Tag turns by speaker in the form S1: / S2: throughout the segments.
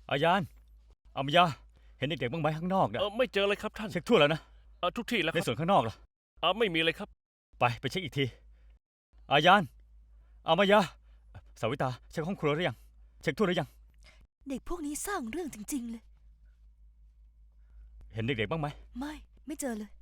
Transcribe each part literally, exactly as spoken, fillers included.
S1: อายานอามายาเห็นเด็กๆบ้างไหมข้างนอกนะ
S2: เออไม่เจอเลยครับท่าน
S1: เช็คทั่วแล้วนะ
S2: เออทุกที่แล้ว
S1: ใน
S2: ครับ
S1: ส่วนข้างนอกล่ะ
S2: เออไม่มีเลยครับ
S1: ไปไปเช็คอีกทีอายานอามายาสาวิตาเช็คห้องครัวหรือยังเช็คทั่วหรือยัง
S3: เด็กพวกนี้สร้างเรื่องจริงๆเลย
S1: เห็นเด็กๆบ้างไหม
S3: ไม่ไม่เจอเลย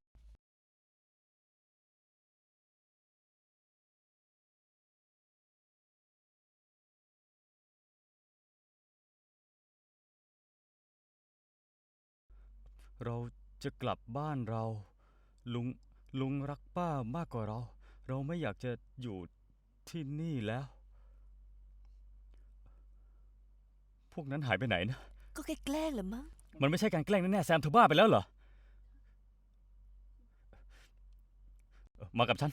S1: เราจะกลับบ้านเราลุงลุงรักป้ามากกว่าเราเราไม่อยากจะอยู่ที่นี่แล้วพวกนั้นหายไปไหนนะ
S3: ก็แค่แกล้งแหละมั้ง
S1: มันไม่ใช่การแกล้งแน่ๆแซมเธอบ้าไปแล้วเหรอมากับฉัน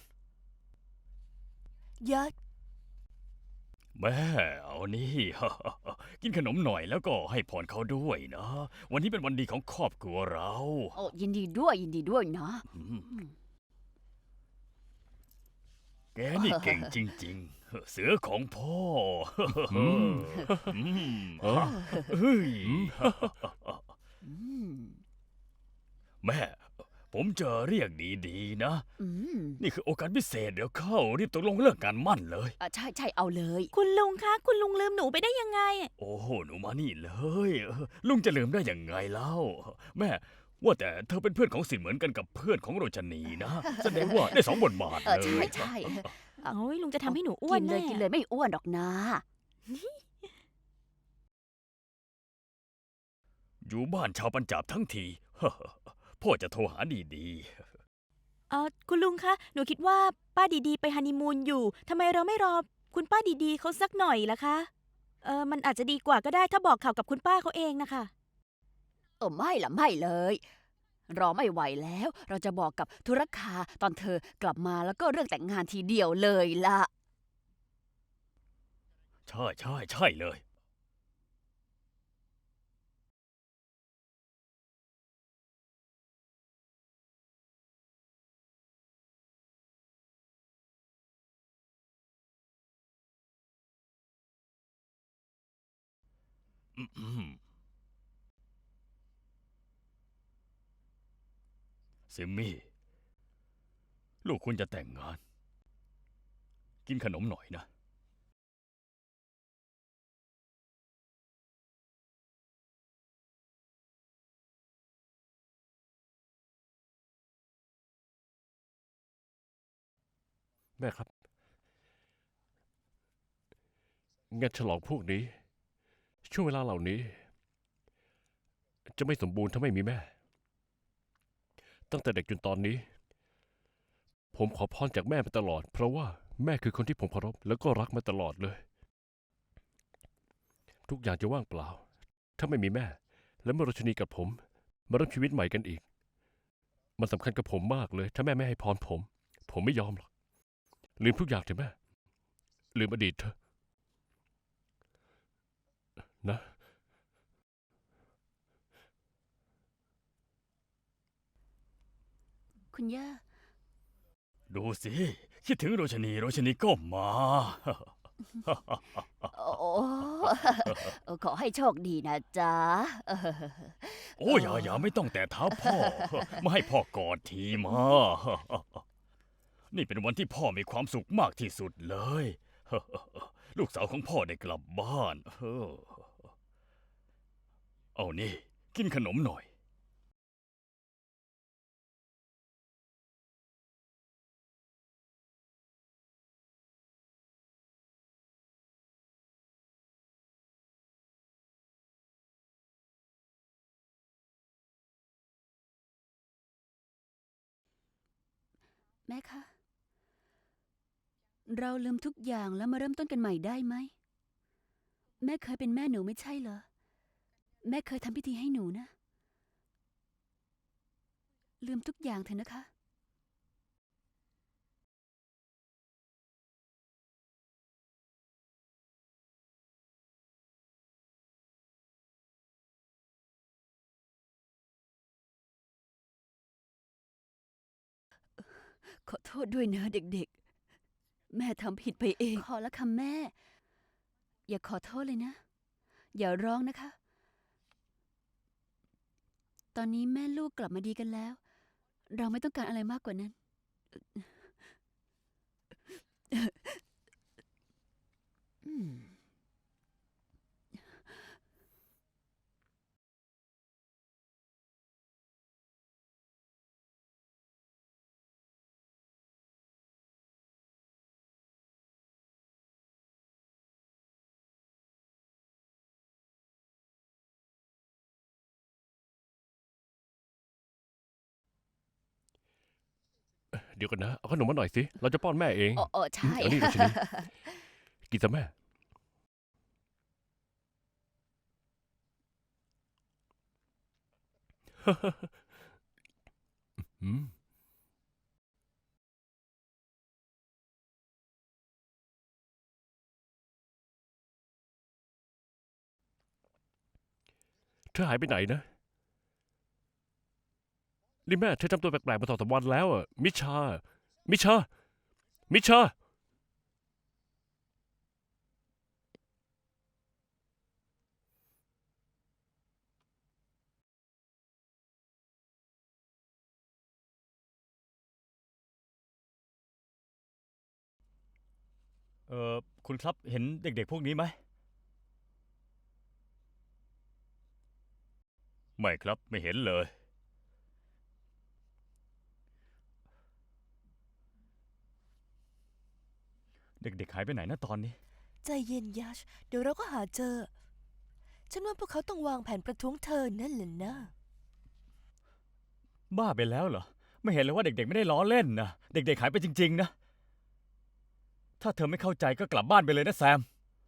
S3: ยัด
S1: แม่เอานี่ กินขนมหน่อยแล้วก็ให้พรเขาด้วยนะวันนี้เป็นวันดีของครอบครัวเรา
S4: โอ้ยินดีด้วยยินดีด้วยนะ
S1: อืมแกนี่เก่งจริงๆ เสือของพ่ออืม
S2: เออ
S1: เฮ้ย
S4: อืม
S1: แม่ ผมจะเรียกดีๆนะ
S4: อืม
S1: นี่คือโอกาสพิเศษเดี๋ยวเข้ารีบตกลงเรื่องการมั่นเลย
S4: อ่ะใช่ใช่เอาเลย
S3: คุณลุงคะคุณลุงลืมหนูไปได้ยังไง
S1: โอ้โหหนูมานี่เลยเออลุงจะลืมได้ยังไงเล่า แม่ ว่าแต่เธอเป็นเพื่อนของสินเหมือนกันกับเพื่อนของโรชนีนะ แสดงว่าได้สองบทบาท
S4: เออ
S1: เล
S4: ใช่
S1: ย
S4: ใช่
S3: โอ้ยลุงจะทำให้หนูอ้ว
S4: กิ
S3: น
S4: นเล
S3: แน่
S4: ยกินเลยไม่อ้วนหรอกนะ
S1: อยู่บ้านชาวปัญจาบทั้งที พ่อจะโทรหาดี
S3: เออคุณลุงคะหนูคิดว่าป้าดีๆไปฮันนีมูนอยู่ทำไมเราไม่รอคุณป้าดีๆเขาสักหน่อยล่ะคะเออมันอาจจะดีกว่าก็ได้ถ้าบอกข่าวกับคุณป้าเขาเองนะคะ
S4: เออไม่ละไม่เลย รอไม่ไหวแล้ว เราจะบอกกับธุรคาตอนเธอกลับมาแล้วก็เรื่องแต่งงานทีเดียวเลยล่ะ
S1: ๆ ใช่ใช่ใช่เลย อืมซิมมี่ ลูกคุณจะแต่งงาน กินขนมหน่อยนะ
S2: แม่ครับงานฉลองพวกนี้ ช่วงเวลาเหล่านี้ จะไม่สมบูรณ์ถ้าไม่มีแม่ ตั้งแต่เด็กจนตอนนี้ ผมขอพรจากแม่มาตลอด เพราะว่าแม่คือคนที่ผมเคารพแล้วก็รักมาตลอดเลย ทุกอย่างจะว่างเปล่า ถ้าไม่มีแม่ และเมื่อราชนีกับผมมาเริ่มชีวิตใหม่กันอีก มันสำคัญกับผมมากเลย ถ้าแม่ไม่ให้พรผม ผมไม่ยอมหรอกลืมทุกอย่างเถอะแม่ลืมอดีตเถอะนะ
S4: คุณย่า
S1: ดูสิ คิดถึงโรชนี โรชนีก็มา
S4: โอ้เออขอให้โชคดีนะจ๊ะเออ
S1: โอ้อย่าอย่าไม่ต้องแต่เท้าพ่อ มาให้พ่อกอดทีมา นี่เป็นวันที่พ่อมีความสุขมากที่สุดเลย ลูกสาวของพ่อได้กลับบ้าน เอานี่ กินขนมหน่อย
S4: แม่คะ เราลืมทุกอย่างแล้วมาเริ่มต้นกันใหม่ได้ไหม แม่เคยเป็นแม่หนูไม่ใช่เหรอ แม่เคยทำพิธีให้หนูนะ ลืมทุกอย่างเถอะนะคะ ขอโทษด้วยนะเด็กๆ แม่ทำผิดไปเอง ขอละค่ะแม่ อย่าขอโทษเลยนะ อย่าร้องนะคะตอนนี้แม่ลูกกลับมาดีกันแล้ว เราไม่ต้องการอะไรมากกว่านั้น อืม
S2: เดี๋ยวกันนะ เอาขนมมาหน่อยสิ เราจะป้อนแม่เอง
S4: โอ้โอ้ใช่
S2: เอานี่ราชินี กินซะแม่ อืมเธอหายไปไหนนะ นี่แม่เธอทำตัวแปลกๆมาสองสามวันแล้วอ่ะ มิชา มิชา มิชา
S1: เออคุณครับเห็นเด็กๆพวกนี้ไหมไม่ครับไม่เห็นเลย เด็กๆหายไปไหนนะตอนนี้
S5: ใจเย็นยัช เดี๋ยวเราก็หาเจอ ฉันว่าพวกเขาต้องวางแผนประท้วงเธอนั่นแหละนะ
S1: บ้าไปแล้วเหรอ ไม่เห็นเลยว่าเด็กๆไม่ได้ล้อเล่นนะเด็กๆหายไปจริงๆนะ ถ้าเธอไม่เข้าใจก็กลับบ้านไปเลยนะแซม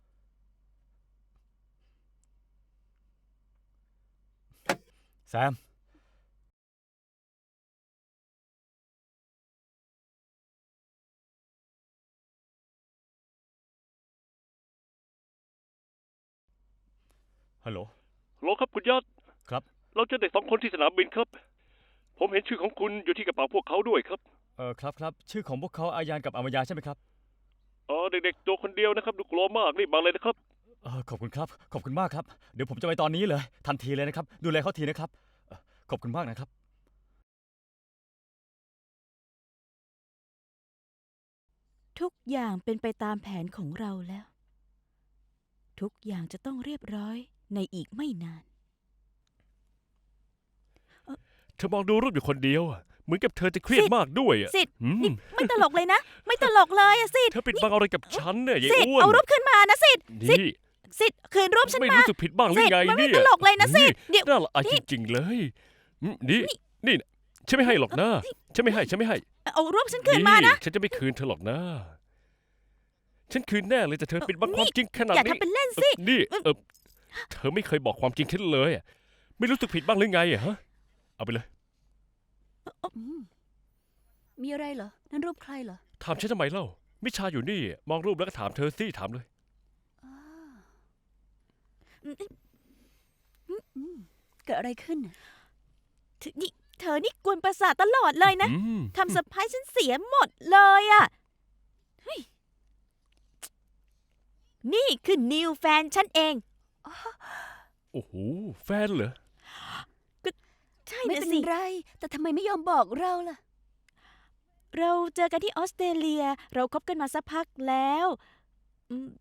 S1: แซม ฮัลโหล
S2: ฮัลโหลครับคุณยอด
S1: ครับ
S2: เราเจอเด็กสองคนที่สนามบินครับ ผมเห็นชื่อของคุณอยู่ที่กระเป๋าพวกเขาด้วยครับ
S1: เออครับครับชื่อของพวกเขาอายานกับอามายาใช่ไหมครับ
S2: อ๋อเด็กๆตัวคนเดียวนะครับ ดูกลัวมากรีบมาเลยนะครับ
S1: เออขอบคุณครับ ขอบคุณมากครับ เดี๋ยวผมจะไปตอนนี้เลย ทันทีเลยนะครับ ดูแลเขาทีนะครับเอ่อขอบคุณมากนะครับ
S3: ทุกอย่างเป็นไปตามแผนของเราแล้ว ทุกอย่างจะต้องเรียบร้อยในอีกไม่นาน
S2: เธอมองดูรูปอยู่คนเดียวอะเหมือนกับเธอจะเครียด
S3: สิทธิ์
S2: มากด้วยอะ
S3: สิทธิ์
S2: อืม
S3: นี่ไม่ตลกเลยนะ ไม่ตลกเลยอะสิทธิ์
S2: เธอปิดบังอะไรกับฉันเนี่ยยาย
S3: สิทธิ์
S2: อ้วน
S3: เอารูปขึ้นมานะสิทธิ์สิท
S2: นี่
S3: ธิ์สิทธิ์คืนรูปฉัน
S2: ไม่
S3: มา
S2: รู้สึกผิดบ้างหรือ
S3: สิทธิ์
S2: ไง
S3: มันไม่
S2: เนี่ย
S3: ตลกเลยนะสิทธิ์เดี๋ยว
S2: น่าละอาย
S3: นี่
S2: จริงๆเลยอืมนี่นี่นะฉันไม่ให้หรอกนะฉันไม่ให้ฉันไม่ให้
S3: เอารูปฉันคืนมานะ
S2: ฉันจะไม่คืนเธอหรอกนะ ฉันคืนแน่เลยแต่เธอปิดบังความจริงขนาด
S3: อย่า
S2: นี้
S3: ทำเป็นเล่น
S2: เอ
S3: สิ
S2: อนี่เออเธอไม่เคยบอกความจริงฉันเลยอะไม่รู้สึกผิดบ้างหรือไงอะฮะเอาไปเลย
S4: อืมมีอะไรเหรอ นั่นรูปใครเหรอ
S2: ถามฉันทำไมเล่ามิชาอยู่นี่ มองรูปแล้วก็ถามเธอสิถามเลย
S4: อ้าอืมเกิดอะไรขึ้นน่ะ
S3: เธอนี่เธอนี่กวนประสาทตลอดเลยนะ
S2: อืม
S3: ทำเซอร์ไพรส์ฉันเสียหมดเลยอะเฮ้ยนี่คือนิวแฟนฉันเอง
S2: โอ้โหแฟนเหรอ
S3: ใช่
S4: ไม่
S3: นะ
S4: เป็น
S3: สิ
S4: ไร แต่ทำไมไม่ยอมบอกเราล่ะ
S3: เราเจอกันที่ออสเตรเลีย เราคบกันมาสักพักแล้วอืม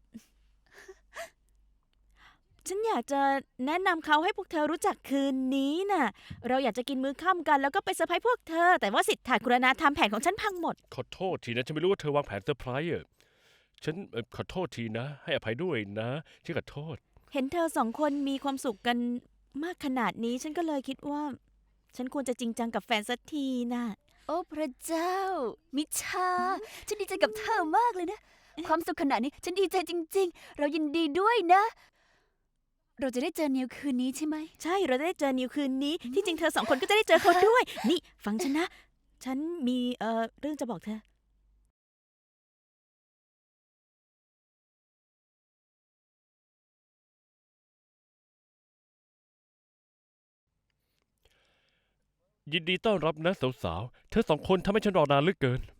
S3: ฉันอยากจะแนะนำเขาให้พวกเธอรู้จักคืนนี้น่ะ เราอยากจะกินมื้อค่ำกันแล้วก็ไปเซอร์ไพรส์พวกเธอ แต่ว่าสิทธากุรณาทำแผนของฉันพังหมด
S2: ขอโทษทีนะฉันไม่รู้ว่าเธอวางแผนเซอร์ไพรส์อะฉันเอ่อขอโทษทีนะ ให้อภัยด้วยนะฉันขอโทษ
S3: เห็นเธอสองคนมีความสุขกันมากขนาดนี้ ฉันก็เลยคิดว่า ฉันควรจะจริงจังกับแฟนสักทีน่ะ
S4: โอ้พระเจ้า มิชา ฉันดีใจกับเธอมากเลยนะ ความสุขขนาดนี้ ฉันดีใจจริง ๆ เรายินดีด้วยนะ เราจะได้เจอนิวคืนนี้ใช่ไหม
S3: ใช่เราจะได้เจอนิวคืนนี้ ที่จริงเธอสองคนก็จะได้เจอเขาด้วย นี่ฟังฉันนะ ฉันมีเอ่อเรื่องจะบอกเธอ
S2: ยินดีต้อนรับนะสาวๆเธอสองคนทำให้ฉันรอนานเหลือเกิน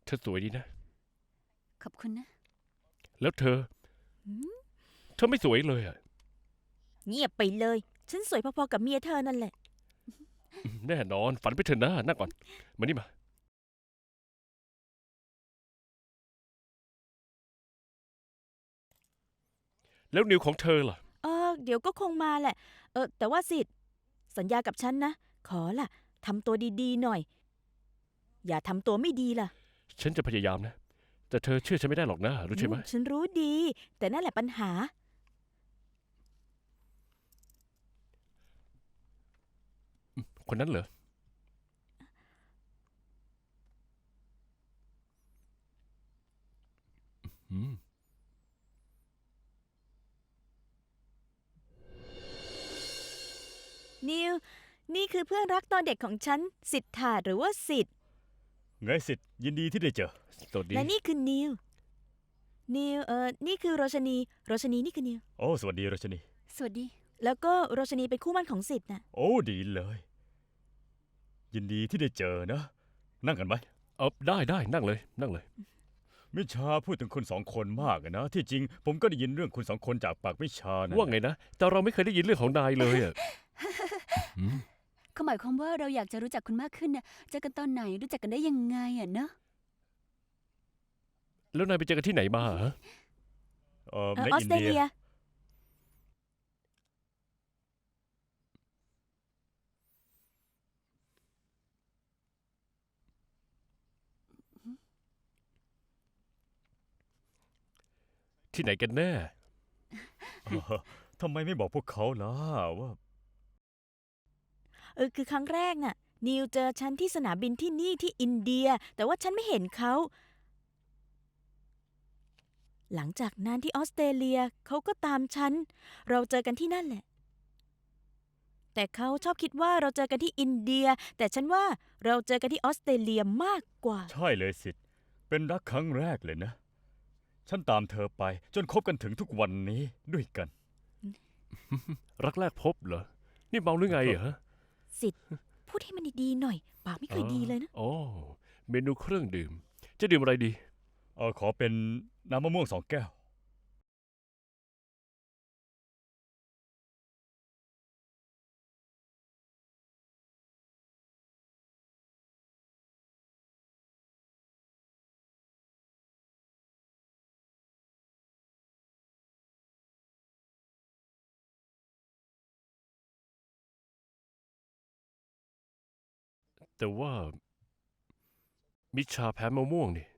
S2: เธอสวยดีนะ
S4: ขอบคุณนะ
S2: แล้วเธอ
S3: หืม
S2: เธอไม่สวยเลยอ่ะ
S3: เงียบไปเลย ฉันสวยพอๆกับเมียเธอนั่นแหละ
S2: แน่นอนฝันไปเถอะนะนั่งก่อน มานี่มา แล้วนิวของเธอล่ะ
S3: เออเดี๋ยวก็คงมาแหละ เออแต่ว่าสิทธิ์สัญญากับฉันนะ ขอล่ะทำตัวดีๆหน่อย อย่าทำตัวไม่ดีล่ะ
S2: ฉันจะพยายามนะ แต่เธอเชื่อฉันไม่ได้หรอกนะ รู้ใช่ไหม
S3: อืมฉันรู้ดี แต่นั่นแหละปัญหา
S2: คนนั้นเหรอ อืม
S3: นิว นี่คือเพื่อนรักตอนเด็กของฉัน สิทธาหรือว่าสิทธิ์
S1: ไงสิทธิ์ยินดีที่ได้เจอ
S2: สวัสดี
S3: และนี่คือนิว นิว เออนี่คือโรชนี โรชนีนี่คือนิว
S1: โอ้สวัสดีรัชนี
S4: สวัสดี
S3: แล้วก็โรชนีเป็นคู่หมั่นของสิทธิ์น่ะ
S1: โอ้ดีเลย ยินดีที่ได้เจอนะ นั่งกันไหม
S2: เออได้ได้นั่งเลย นั่งเลย
S1: มิชาพูดถึงคุณสองคนมากอะนะ ที่จริงผมก็ได้ยินเรื่องคุณสองคนจากปากมิชานะ
S2: ว่าไงนะ แต่เราไม่เคยได้ยินเรื่องของนายเลยอ่ะ อืม
S4: เขาหมายความว่าเราอยากจะรู้จักคุณมากขึ้นนะเจอกันตอนไหนรู้จักกันได้ยังไงอ่ะเนอะ
S2: แล้วนายไปเจอกันที่ไหนมาฮะ
S1: เออ
S3: เออ
S1: ใน
S3: ออ
S1: อิ
S3: ส
S1: น
S3: เตร
S1: เดีย
S3: เลีย
S2: ที่ไหนกันแน่
S1: เออทำไมไม่บอกพวกเขาล่ะว่า
S3: เออคือครั้งแรกน่ะ นิวเจอฉันที่สนามบินที่นี่ที่อินเดีย แต่ว่าฉันไม่เห็นเขา หลังจากนั้นที่ออสเตรเลียเขาก็ตามฉัน เราเจอกันที่นั่นแหละ แต่เขาชอบคิดว่าเราเจอกันที่อินเดีย แต่ฉันว่าเราเจอกันที่ออสเตรเลียมากกว่า
S1: ใช่เลยสิทธิ์เป็นรักครั้งแรกเลยนะ ฉันตามเธอไปจนคบกันถึงทุกวันนี้ด้วยกัน
S2: รักแรกพบเหรอ นี่เมาหรือไงเหรอ
S3: สิทธิ์พูดให้มันดีๆหน่อย ปากไม่เคยดีเลยนะ
S2: อ๋อ เมนูเครื่องดื่ม จะดื่มอะไรดี
S1: เออขอเป็นน้ำมะม่วงสองแก้ว
S2: แต่ว่า มิชาแพ้มะม่วงนี่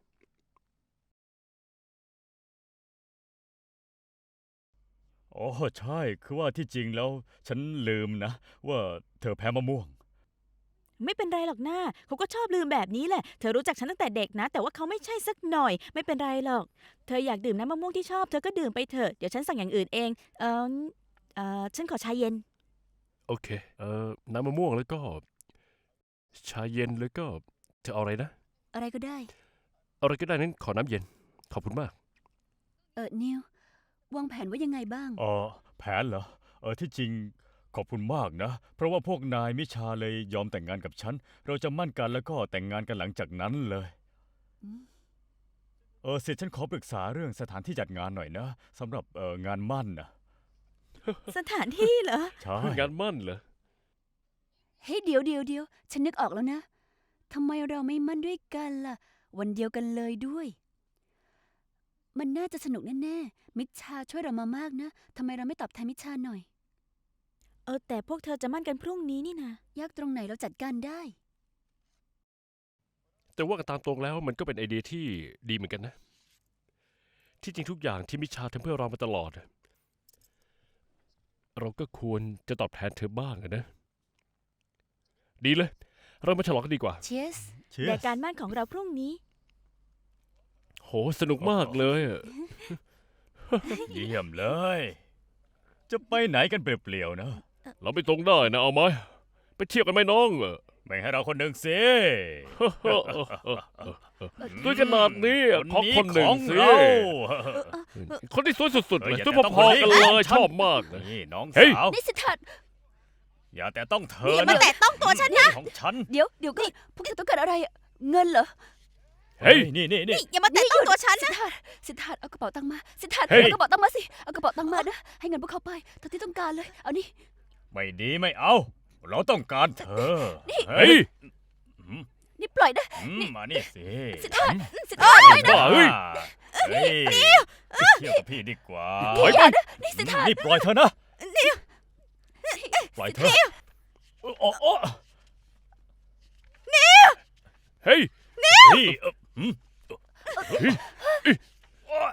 S1: อ๋อใช่ คือว่าที่จริงแล้วฉันลืมนะ ว่าเธอแพ้มะม่วง
S3: ไม่เป็นไรหรอกหน้าเขาก็ชอบลืมแบบนี้แหละ เธอรู้จักฉันตั้งแต่เด็กนะ แต่ว่าเขาไม่ใช่สักหน่อย ไม่เป็นไรหรอก เธออยากดื่มน้ำมะม่วงที่ชอบ เธอก็ดื่มไปเถอะ เดี๋ยวฉันสั่งอย่างอื่นเอง เออเออฉันขอชาเย็น
S2: โอเค เอ่อ น้ำมะม่วงแล้วก็ ชาเย็นแล้วก็ เธอเอาอะไรนะ
S4: อะไรก็ได้
S2: อะไรก็ได้นั้นขอน้ำเย็น ขอบคุณมาก
S4: เออนิววางแผนว่ายังไงบ้าง
S1: เออแผนเหรอ เออที่จริงขอบคุณมากนะ เพราะว่าพวกนายมิชาเลยยอมแต่งงานกับฉัน เราจะมั่นกันแล้วก็แต่งงานกันหลังจากนั้นเลย
S4: อืม
S1: เออสิทธิ์ฉันขอปรึกษาเรื่องสถานที่จัดงานหน่อยนะสำหรับเอองานมั่นนะ
S3: สถานที่เหรอ
S1: ใช่
S2: งานมั่นเหรอ
S4: เฮ้ยเดี๋ยวเดี๋ยวเดี๋ยวฉันนึกออกแล้วนะทำไมเราไม่มั่นด้วยกันล่ะ วันเดียวกันเลยด้วย มันน่าจะสนุกแน่ๆมิชชาช่วยเรามามากนะทำไมเราไม่ตอบแทนมิชชาหน่อย
S3: เออแต่พวกเธอจะมั่นกันพรุ่งนี้นี่นะ
S4: ยากตรงไหนเราจัดการได้
S2: แต่ว่ากันตามตรงแล้วมันก็เป็นไอเดียที่ดีเหมือนกันนะ ที่จริงทุกอย่างที่มิชาทำเพื่อเรามาตลอดอะเราก็ควรจะตอบแทนเธอบ้างอะนะ ดีเลย เรามาฉลองกันดีกว่า
S4: Cheers
S1: เชีย
S3: แต่
S1: ร์
S3: การมั่นของเราพรุ่งนี้
S2: โห สนุกมากเลยอะ
S1: เยี่ยมเลย จะไปไหนกันเปลี่ยวๆนะ
S2: เราไปตรงได้นะเอาไหมไปเที่ยวกันไหมน้องเออ
S1: แบ่งให้เราคนหนึ่งสิ
S2: ด้วยขนาดนี้ขอคนหนึ่ง
S1: ของ
S2: สิ
S1: เรา
S2: คนที่สวยสุดๆ
S1: เออ
S2: เลย
S1: อย่า
S2: สวย
S1: แตะต้อง
S2: พอๆ
S1: คนนี้
S2: กันเลย
S1: ฉัน
S2: ชอบมากเลย
S1: นี่น้อง
S2: เฮ้ย
S1: สาว
S4: นี่สิทธัตถ์
S1: อย่าแต่ต้องเธ
S3: นี่
S1: อ
S3: อย่ามา
S1: นะ
S3: แตะต้องตัวฉันนะ
S1: ของฉัน
S4: เดี๋ยวเดี๋ยวก่อนพวกเธอต้องการอะไรอะเงินเหรอ
S2: เฮ้ย
S1: นี่นี่นี่
S3: นี่อย่ามาแตะต้องตัวฉัน
S4: สิ
S3: นะ
S4: ทธาสิทธาเอากระเป๋าตังค์มาสิทธา
S2: เฮ้ย
S4: เอากระเป๋าตังค์มาสิเอากระเป๋าตังค์มานะให้เงินพวกเขาไปเท่าที่ต้องการเลยเอานี่
S1: ไม่ดีไม่เอา เราต้องการเธอ
S2: เฮ้ย
S1: อืม
S4: นี่ปล่อยนะ
S1: อืมมานี่สิ
S4: สิทธา
S1: อืม
S4: สิทธา
S2: บ้าเฮ้ย
S1: เฮ้ยไปเที่ยวกับพี่ดีกว่า
S2: ถอยไป
S4: นี่สิทธา
S1: นี่ปล่อยเธอนะปล่อยเธอโอ้โอ้โอ้
S2: เฮ้ย
S1: เฮ้ยเอ่ออืมโอ้ย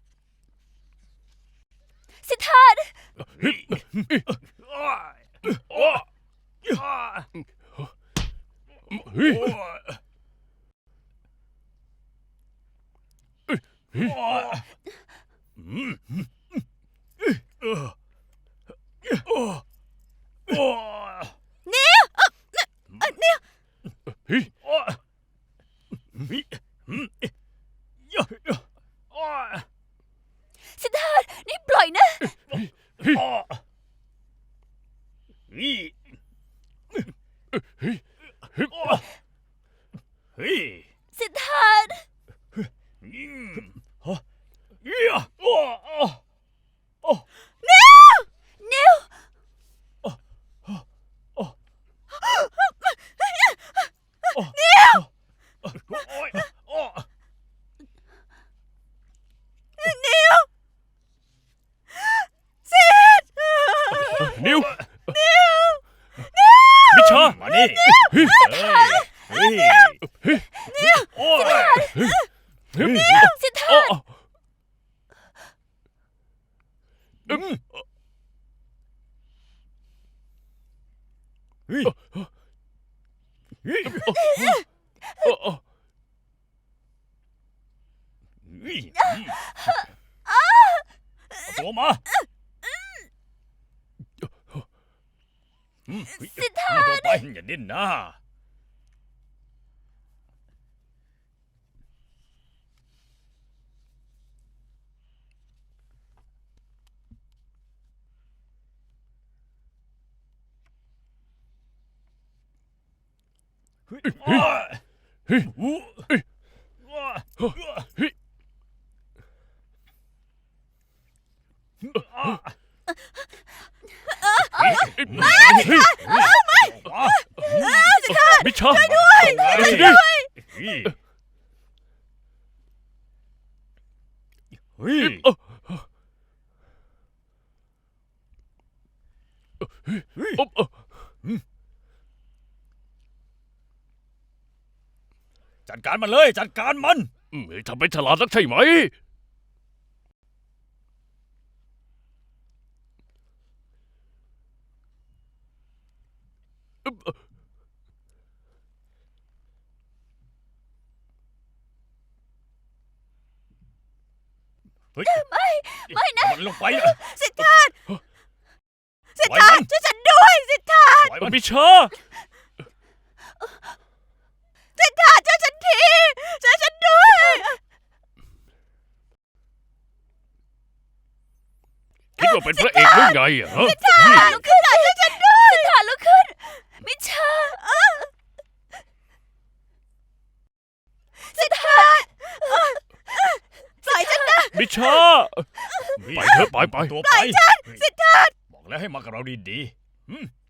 S4: สิทธา
S1: เฮ้ยโอ้ยโอ้ยโอ้ย
S2: เฮ้ย
S1: โอ้ยโอ้ยอืมเออโอ้ยโอ้ย
S2: เฮ้ย
S1: โอ้ยอืมเยอะโอ้ย
S4: สิทธานี่ปล่อยนะ
S1: โอ้ยเฮ้ย
S2: เฮ้ย
S1: โอ้ยเฮ้ย
S4: สิทธา
S1: อืมฮะเหี้ยโอ้โอ้โอ้
S4: นิว
S1: โอ้โอ้โอ้ยโอ้
S2: นิวมิชา
S1: มานี่
S2: เฮ้ย
S1: เฮ้ยเฮ้ย
S2: เฮ้ย
S1: โอ้ย
S2: เฮ้ย
S4: สิทธา
S2: อ๋อ
S1: อืมเฮ้ยเฮ้ย
S2: อ๋ออ๋อ
S1: เฮ้ยเอาตัวมาสิทธาตัวไปอย่าดิ้นนะเฮ้ยเฮ้ยเฮ้ยเฮ้ย
S2: เฮ้ย มิชาช่วยด้วยช่วยด้วย
S1: เฮ้ยเฮ้ย
S2: โอ้
S1: เฮ้ย
S2: โอ้โอ้
S1: จัดการมันเลยจัดการมัน
S2: อืมทำเป็นฉลาดนักใช่ไหมอึ๊บ
S1: เฮ้ยไม่ไม่นะมันลงไปนะ
S3: สิทธาสิท
S1: ปล่อย
S3: ธา
S1: มัน
S3: ช่วยฉันด้วยสิทธา
S1: ปล่อยมัน
S2: มิชา
S3: สิทธาช่วยฉันทีช่วยฉันด้วย
S2: คิดว่าเป็นพระเอกหรือไงอะฮะ
S4: สิทธาลุกขึ้นช่วยฉันด้วยสิทธาลุกขึ้นมิชาสิทธา
S3: ปล่อยฉันนะ
S2: มิชา ไปเถอะไปไป
S1: ตัวไปสิทธาบอกแล้วให้มากับเราดีๆอืม